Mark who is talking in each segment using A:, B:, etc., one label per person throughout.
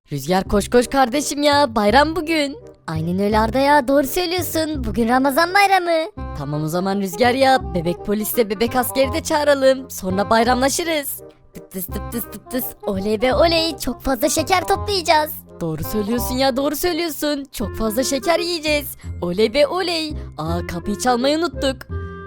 A: Rüzgar koş koş kardeşim ya, bayram bugün. Aynen öyle Arda ya, doğru söylüyorsun, bugün Ramazan bayramı. Tamam o zaman Rüzgar ya, bebek polisle bebek askeri de çağıralım, sonra bayramlaşırız. Tıp tıs tıp tıs tıp tıs, oley be oley, çok fazla şeker toplayacağız. Doğru söylüyorsun ya, doğru söylüyorsun, çok fazla şeker yiyeceğiz. Oley be oley. Kapıyı çalmayı unuttuk.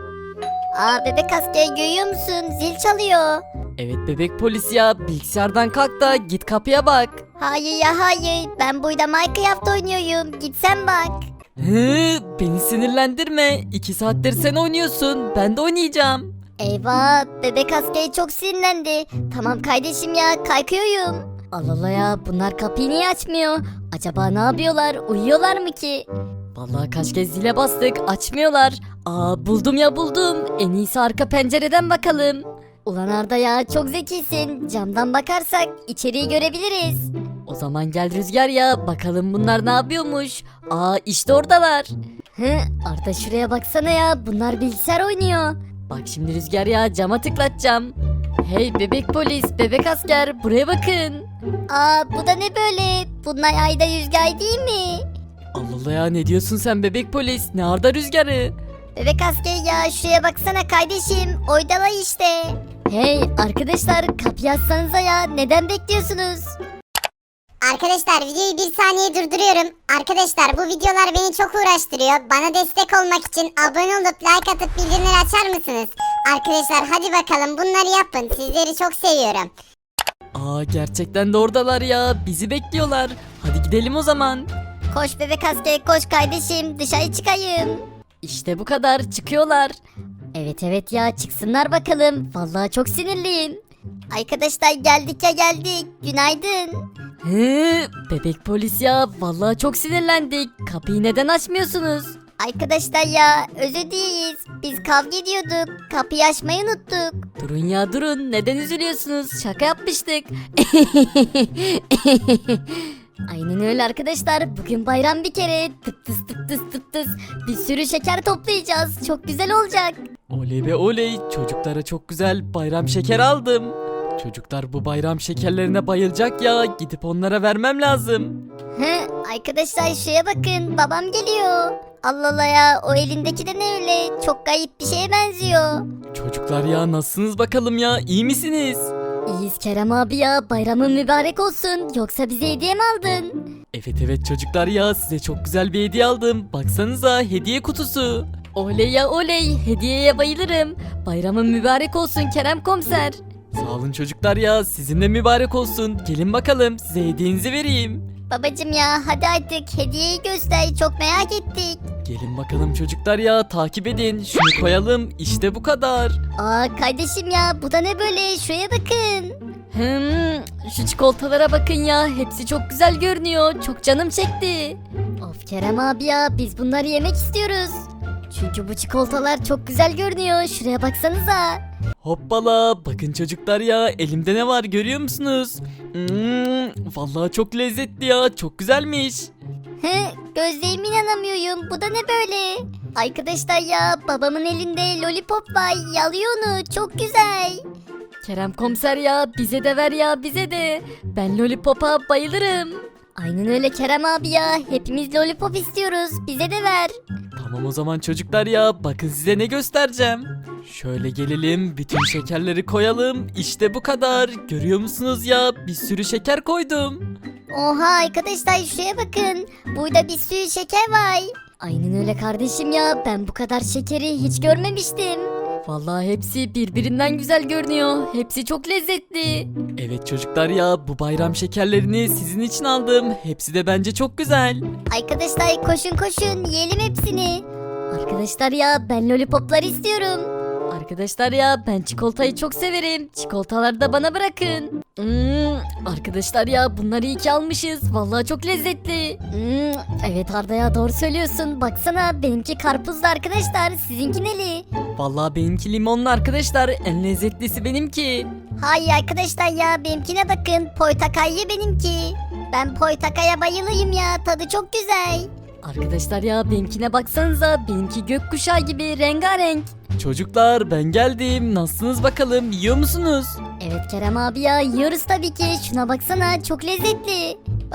B: Bebek asker görüyor musun? Zil çalıyor.
A: Evet bebek polis ya, bilgisayardan kalk da git kapıya bak.
B: Hayır ya hayır. Ben burada Minecraft oynuyorum. Gitsen bak.
A: Beni sinirlendirme. 2 saattir sen oynuyorsun, ben de oynayacağım.
B: Eyvah, bebek askeri çok sinirlendi. Tamam kardeşim ya, kalkıyorum.
A: Allah Allah ya, bunlar kapıyı niye açmıyor? Acaba ne yapıyorlar? Uyuyorlar mı ki? Vallahi kaç kez zile bastık, açmıyorlar. Buldum ya buldum. En iyisi arka pencereden bakalım.
B: Ulan Arda ya, çok zekisin. Camdan bakarsak içeriği görebiliriz.
A: O zaman gel Rüzgar ya, bakalım bunlar ne yapıyormuş. İşte oradalar.
B: Arda şuraya baksana ya, bunlar bilgisayar oynuyor.
A: Bak şimdi Rüzgar ya, cama tıklatacağım. Hey bebek polis, bebek asker, buraya bakın.
B: Bu da ne böyle? Bunlar ayda rüzgar değil mi?
A: Allah Allah ya, ne diyorsun sen bebek polis? Ne Arda Rüzgar'ı?
B: Bebek asker ya, şuraya baksana kardeşim. Oydalar işte.
A: Hey arkadaşlar, kapıyı açsanıza ya, neden bekliyorsunuz?
C: Arkadaşlar videoyu bir saniye durduruyorum. Arkadaşlar bu videolar beni çok uğraştırıyor. Bana destek olmak için abone olup like atıp bildirimleri açar mısınız? Arkadaşlar hadi bakalım bunları yapın. Sizleri çok seviyorum.
A: Gerçekten de oradalar ya, bizi bekliyorlar. Hadi gidelim o zaman.
B: Koş bebek asker, koş kardeşim, dışarı çıkayım.
A: İşte bu kadar, çıkıyorlar.
B: Evet ya, çıksınlar bakalım. Vallahi çok sinirliyim. Arkadaşlar geldik ya geldik. Günaydın.
A: Bebek polis ya, vallahi çok sinirlendik. Kapıyı neden açmıyorsunuz?
B: Arkadaşlar ya, özür dileriz. Biz kavga ediyorduk. Kapıyı açmayı unuttuk.
A: Durun ya durun, neden üzülüyorsunuz? Şaka yapmıştık.
B: Aynen öyle arkadaşlar. Bugün bayram bir kere. Tıp tıs tıp tıs tıp tıs. Bir sürü şeker toplayacağız. Çok güzel olacak.
A: Oley be oley, çocuklara çok güzel bayram şeker aldım. Çocuklar bu bayram şekerlerine bayılacak ya, gidip onlara vermem lazım.
B: Arkadaşlar şuraya bakın. Babam geliyor. Allah Allah ya, o elindeki de ne öyle? Çok garip bir şeye benziyor.
A: Çocuklar ya, nasılsınız bakalım ya, iyi misiniz?
B: İyiyiz Kerem abi ya. Bayramın mübarek olsun. Yoksa bize hediye mi aldın?
A: Evet çocuklar ya, size çok güzel bir hediye aldım. Baksanıza, hediye kutusu. Oley ya oley, hediyeye bayılırım. Bayramın mübarek olsun Kerem komiser. Sağ olun çocuklar ya, sizin de mübarek olsun. Gelin bakalım, size hediyenizi vereyim.
B: Babacım ya, hadi artık hediyeyi göster. Çok merak ettik.
A: Gelin bakalım çocuklar ya, takip edin. Şunu koyalım, işte bu kadar.
B: Kardeşim ya, bu da ne böyle? Şuraya bakın.
A: Şu çikolatalara bakın ya, hepsi çok güzel görünüyor. Çok canım çekti.
B: Of Kerem abi ya, biz bunları yemek istiyoruz. Çünkü bu çikolatalar çok güzel görünüyor. Şuraya baksanıza.
A: Hoppala, bakın çocuklar ya, elimde ne var görüyor musunuz? Vallahi çok lezzetli ya, çok güzelmiş.
B: Gözlerime inanamıyorum. Bu da ne böyle? Arkadaşlar ya, babamın elinde lollipop var. Yalıyor onu. Çok güzel.
A: Kerem komiser ya, bize de ver ya, bize de. Ben lollipop'a bayılırım.
B: Aynen öyle Kerem abi ya. Hepimiz lollipop istiyoruz. Bize de ver.
A: Tamam o zaman çocuklar ya, bakın size ne göstereceğim. Şöyle gelelim, bütün şekerleri koyalım. İşte bu kadar. Görüyor musunuz ya, bir sürü şeker koydum.
B: Oha arkadaşlar, şuraya bakın. Burada bir sürü şeker var. Aynen öyle kardeşim ya. Ben bu kadar şekeri hiç görmemiştim.
A: Vallahi hepsi birbirinden güzel görünüyor. Hepsi çok lezzetli. Evet çocuklar ya, bu bayram şekerlerini sizin için aldım. Hepsi de bence çok güzel.
B: Arkadaşlar koşun koşun, yiyelim hepsini. Arkadaşlar ya, ben lollipoplar istiyorum.
A: Arkadaşlar ya, ben çikolatayı çok severim. Çikolataları da bana bırakın. Arkadaşlar ya, bunları iyi ki almışız. Vallahi çok lezzetli.
B: Evet Arda ya, doğru söylüyorsun. Baksana, benimki karpuzlu arkadaşlar. Sizinki neli?
A: Vallahi benimki limonlu arkadaşlar. En lezzetlisi benimki.
B: Hayır arkadaşlar ya, benimkine bakın. Portakallı benimki. Ben portakaya bayılıyım ya. Tadı çok güzel.
A: Arkadaşlar ya, benimkine baksanıza. Benimki gökkuşağı gibi rengarenk. Çocuklar ben geldim. Nasılsınız bakalım? Yiyor musunuz?
B: Evet Kerem abi ya, yiyoruz tabii ki. Şuna baksana, çok lezzetli.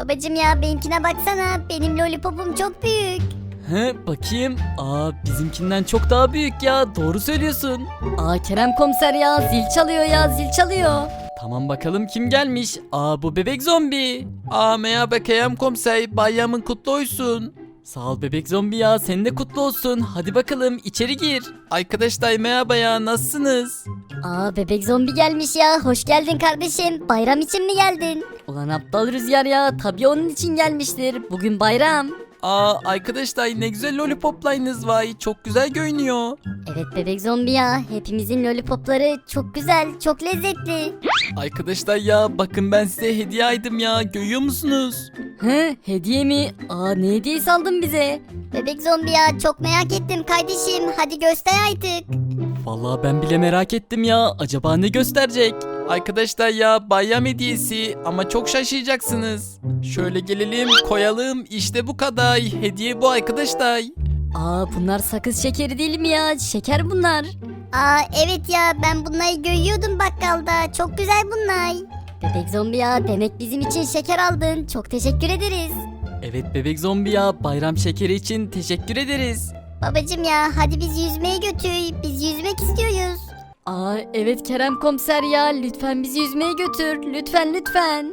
B: Babacım ya benimkine baksana. Benim lollipopum çok büyük.
D: He bakayım. Bizimkinden çok daha büyük ya. Doğru söylüyorsun.
A: Kerem komiser ya zil çalıyor ya zil çalıyor.
D: Tamam bakalım kim gelmiş? Bu bebek zombi. Merhaba Kerem komiser. Bayramın kutlu olsun. Sağ ol bebek zombi ya. Senin de kutlu olsun. Hadi bakalım içeri gir. Arkadaşlar merhaba ya. Nasılsınız?
B: Bebek zombi gelmiş ya. Hoş geldin kardeşim. Bayram için mi geldin?
A: Ulan aptal Rüzgar ya tabii onun için gelmiştir. Bugün bayram.
D: Arkadaşlar ne güzel lollipoplarınız var. Çok güzel görünüyor.
B: Evet bebek zombi ya. Hepimizin lollipopları çok güzel, çok lezzetli.
D: Arkadaşlar ya bakın ben size hediye aldım ya. Görüyor musunuz?
A: Hediye mi? Ne hediyesi aldın bize?
B: Bebek zombi ya çok merak ettim kardeşim. Hadi göster artık.
D: Vallahi ben bile merak ettim ya. Acaba ne gösterecek? Arkadaşlar ya bayram hediyesi ama çok şaşıracaksınız. Şöyle gelelim koyalım işte bu kadar. Hediye bu arkadaşlar.
A: Bunlar sakız şekeri değil mi ya? Şeker bunlar.
B: Evet ya ben bunları görüyordum bakkalda. Çok güzel bunlar. Bebek zombi ya demek bizim için şeker aldın. Çok teşekkür ederiz.
D: Evet bebek zombi ya bayram şekeri için teşekkür ederiz.
B: Babacım ya hadi biz yüzmeye götür. Biz yüzmek istiyoruz.
A: Evet Kerem komiser ya lütfen bizi yüzmeye götür. Lütfen lütfen.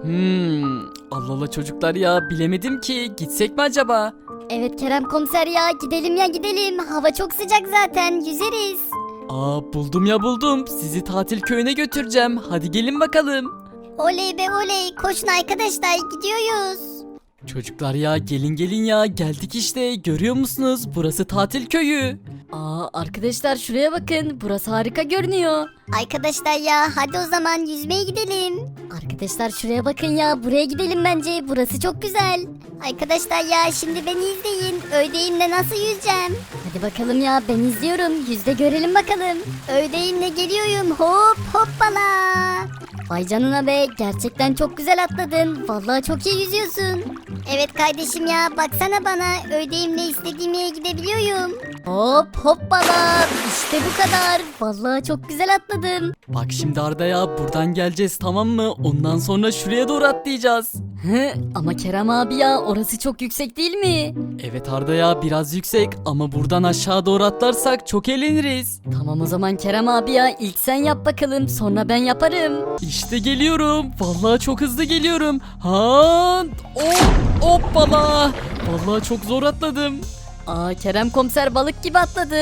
D: Allah Allah çocuklar ya bilemedim ki gitsek mi acaba?
B: Evet Kerem komiser ya gidelim ya gidelim. Hava çok sıcak zaten yüzeriz.
D: Buldum ya buldum. Sizi tatil köyüne götüreceğim. Hadi gelin bakalım.
B: Oley be oley koşun arkadaşlar gidiyoruz.
D: Çocuklar ya gelin gelin ya geldik işte görüyor musunuz burası tatil köyü.
A: Arkadaşlar şuraya bakın burası harika görünüyor.
B: Arkadaşlar ya hadi o zaman yüzmeye gidelim.
A: Arkadaşlar şuraya bakın ya buraya gidelim bence burası çok güzel.
B: Arkadaşlar ya şimdi beni izleyin. Öğdeyimle nasıl yüzeceğim?
A: Hadi bakalım ya ben izliyorum yüzde görelim bakalım.
B: Öğdeyimle geliyorum hop hoppala.
A: Vay canına be gerçekten çok güzel atladın. Vallahi çok iyi yüzüyorsun.
B: Evet kardeşim ya baksana bana. Öğdeyimle istediğim yere gidebiliyorum.
A: Hop hoppala işte bu kadar. Vallahi çok güzel atladım.
D: Bak şimdi Arda ya buradan geleceğiz tamam mı? Ondan sonra şuraya doğru atlayacağız.
A: Ama Kerem abi ya orası çok yüksek değil mi?
D: Evet Arda ya biraz yüksek ama buradan aşağı doğru atlarsak çok eğleniriz.
A: Tamam o zaman Kerem abi ya ilk sen yap bakalım sonra ben yaparım.
D: İşte geliyorum. Vallahi çok hızlı geliyorum. Hoppala. Vallahi çok zor atladım.
A: Kerem komiser balık gibi atladı.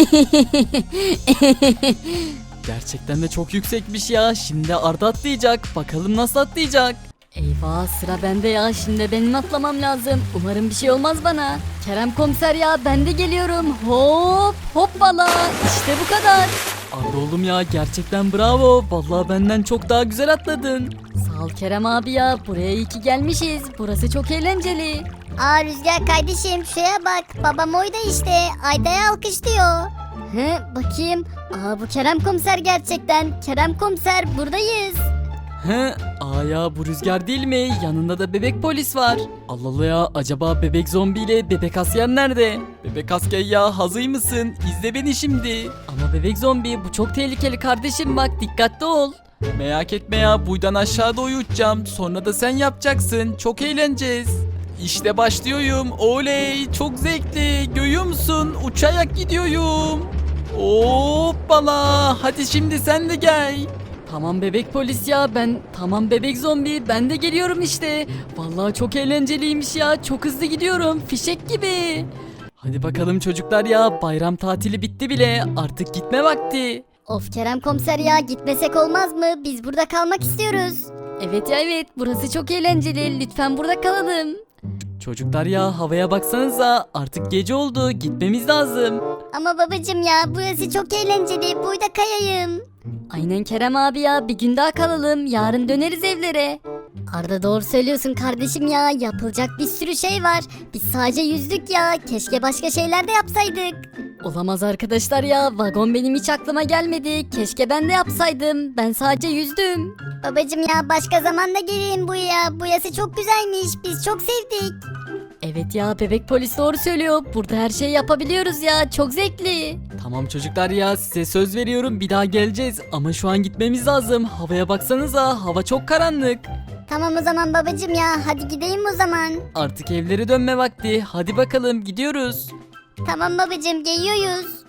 D: Gerçekten de çok yüksekmiş ya. Şimdi Arda atlayacak. Bakalım nasıl atlayacak.
A: Eyvah sıra bende ya şimdi benim atlamam lazım. Umarım bir şey olmaz bana. Kerem komiser ya ben de geliyorum. Hop hoppala işte bu kadar.
D: Arda oğlum ya gerçekten bravo. Vallahi benden çok daha güzel atladın.
A: Sağ ol Kerem abi ya buraya iyi ki gelmişiz. Burası çok eğlenceli.
B: Rüzgar kardeşim şuraya bak. Babam oyda işte. Ayda'ya alkışlıyor.
A: Bakayım. Bu Kerem komiser gerçekten. Kerem komiser buradayız.
D: Ya bu Rüzgar değil mi? Yanında da bebek polis var. Allah Allah ya acaba bebek zombi ile bebek asker nerede? Bebek asker ya hazır mısın? İzle beni şimdi. Ama bebek zombi bu çok tehlikeli kardeşim bak dikkatli ol. Merak etme ya buradan aşağı doğru uçacağım. Sonra da sen yapacaksın. Çok eğleneceğiz. İşte başlıyorum. Oley çok zevkli. Görüyor musun? Uçarak gidiyorum. Hoppala. Hadi şimdi sen de gel. Tamam bebek polis ya tamam bebek zombi ben de geliyorum işte. Vallahi çok eğlenceliymiş ya çok hızlı gidiyorum fişek gibi. Hadi bakalım çocuklar ya bayram tatili bitti bile artık gitme vakti.
B: Of Kerem komiser ya gitmesek olmaz mı? Biz burada kalmak istiyoruz.
A: Evet ya evet burası çok eğlenceli lütfen burada kalalım.
D: Çocuklar ya havaya baksanıza artık gece oldu gitmemiz lazım.
B: Ama babacım ya burası çok eğlenceli. Burada kayayım.
A: Aynen Kerem abi ya bir gün daha kalalım yarın döneriz evlere.
B: Arda doğru söylüyorsun kardeşim ya. Yapılacak bir sürü şey var. Biz sadece yüzdük ya. Keşke başka şeyler de yapsaydık.
A: Olamaz arkadaşlar ya vagon benim hiç aklıma gelmedi. Keşke ben de yapsaydım ben sadece yüzdüm.
B: Babacım ya başka zaman da gelin buraya. Burası çok güzelmiş. Biz çok sevdik.
A: Evet ya bebek polis doğru söylüyor. Burada her şeyi yapabiliyoruz ya çok zevkli.
D: Tamam çocuklar ya size söz veriyorum bir daha geleceğiz ama şu an gitmemiz lazım. Havaya baksanıza hava çok karanlık.
B: Tamam o zaman babacım ya hadi gidelim o zaman.
D: Artık evlere dönme vakti. Hadi bakalım gidiyoruz.
B: Tamam babacım geliyoruz.